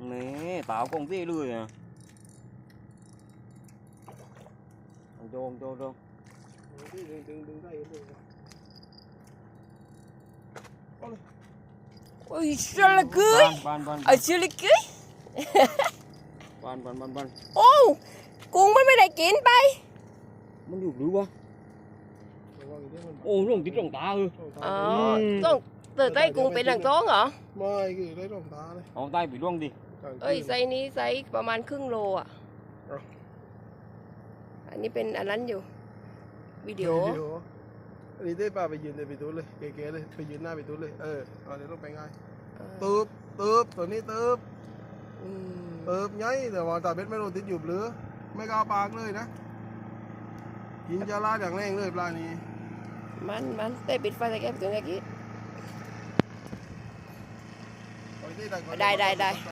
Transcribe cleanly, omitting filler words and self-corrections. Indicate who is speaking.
Speaker 1: นี่ตาวกงที่เลยอ่ะโจงดึงได้เลย
Speaker 2: ôi sao là cưới ở chưa là cưới
Speaker 1: บ้าน
Speaker 2: ô cuốn mớiได้กินไป
Speaker 1: มันอยู่หรือวะโอ้ลงติดลงตาเออ
Speaker 2: ต้องtừ tay cuốnเป็นหลังท้องเหรอ
Speaker 3: ไม่คือได้ลงตาเลย
Speaker 1: เอาใต้ไปล่วงดิ
Speaker 2: เอ้ยไซส์นี้ไซส์ประมาณครึ่งโลอ่ะอันนี้เป็นอันนั้นอยู่วิดีโอ
Speaker 3: อันนี้ได้ป่าไปยืนในปิตุเลยเก๋ๆเลยไปยืนหน้าปิตุเลยเอาเดี๋ยวลงไปง่ายตืบตัวนี้ตืบย้อยแต่ว่าตาเบ็ดไม่โดนติดอยู่หรือไม่ก้าวปากเลยนะกินจะลาดอย่างแรงเลยปลานี้
Speaker 2: มันแต่ปิดไฟใส่แก้มตัวนี้กี้ได้